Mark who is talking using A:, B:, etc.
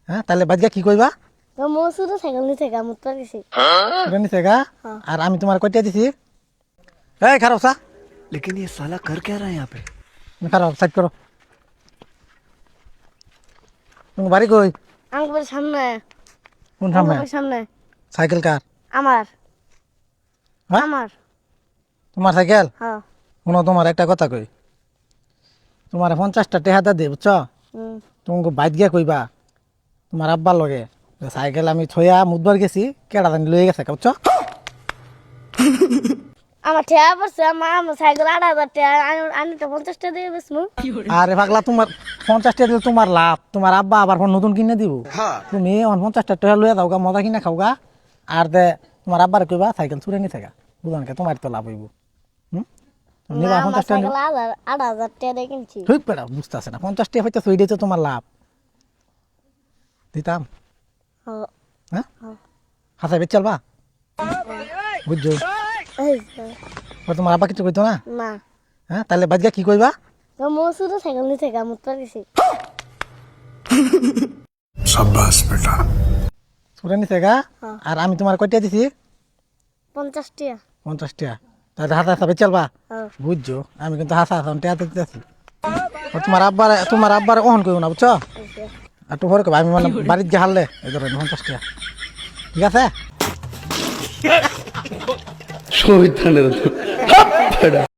A: হ্যাঁ তাহলে বাদ গিয়া কি কইবা?
B: তো মসুরে সাইকেল নিতে গা মুত পারিছি
A: এটা নিছে গা আর আমি তোমার কয়টা দিছি? এই খারাপ সা
C: लेकिन ये साला कर क्या रहा है यहाँ पे?
A: খারাপ সাইড করো। তুমি বাড়ি কই?
B: আমার সামনে
A: কোন সামনে?
B: আমার সামনে
A: সাইকেল কার?
B: আমার
A: হ্যাঁ
B: আমার
A: তোমার সাইকেল?
B: হ্যাঁ
A: শুনো তোমার একটা কথা কই, তোমার 50টা টেহা দে বুঝছো?
B: হুম।
A: তোমাকে বাইক গিয়া কইবা তোমার আব্বার লগে যে সাইকেল আমি থইয়া মুদবার গেছি কেডা জানি লয়ে গেছে বুঝছো?
B: আমার ঠেয়া পড়ছে আমার সাইকেল 8,000 টাকা আমি তো 50 টাকা দিয়ে বেসমু
A: আরে পাগলা তোমার 50টা দিলে তোমার লাভ, তোমার আব্বা আবার ফোন নতুন কিনে দিব। তুমি 50টা টাকা লইয়া দাও গা, মজা কিনা খাও গা, আর দে তোমার আব্বার কইবা সাইকেল চুরে নি থাকা বুঝলেন কে, তোমার তো লাভ হইব। নিবা
B: আমার
A: 50টা
B: সাইকেল 8,000 টাকা দিয়ে কিনছি
A: ঠিক পেড়া বুঝতেছে না, 50টা হইতে সইডে তো তোমার লাভ দিতাম।
B: হ্যাঁ
A: হ্যাঁ হাসাই বেচ চলবা বুঝছো?
B: এই
A: তোমার আব্বা কিছু কইতো না?
B: না
A: হ্যাঁ তাহলে বাদ গিয়া কি কইবা?
B: তো মসুরে সাইকেল নিতে গা মুত পারিছি
C: शाबाश बेटा।
A: চুরে নিছে গা আর আমি তোমার কয়টা দিছি?
B: 50 টাকা
A: 50টা। তাহলে হাসা হাসা বেচ চলবা
B: হ্যাঁ
A: বুঝছো? আমি কিন্তু হাসা হাসা টেয়াতে দিতেছি। তোমার আব্বার অহন কইব না বুঝছো? আর তো পরে কইবা আমি মানে বাড়িতে গিয়ে হারলে এই ধরেন 50টা, ঠিক আছে?
C: शोभित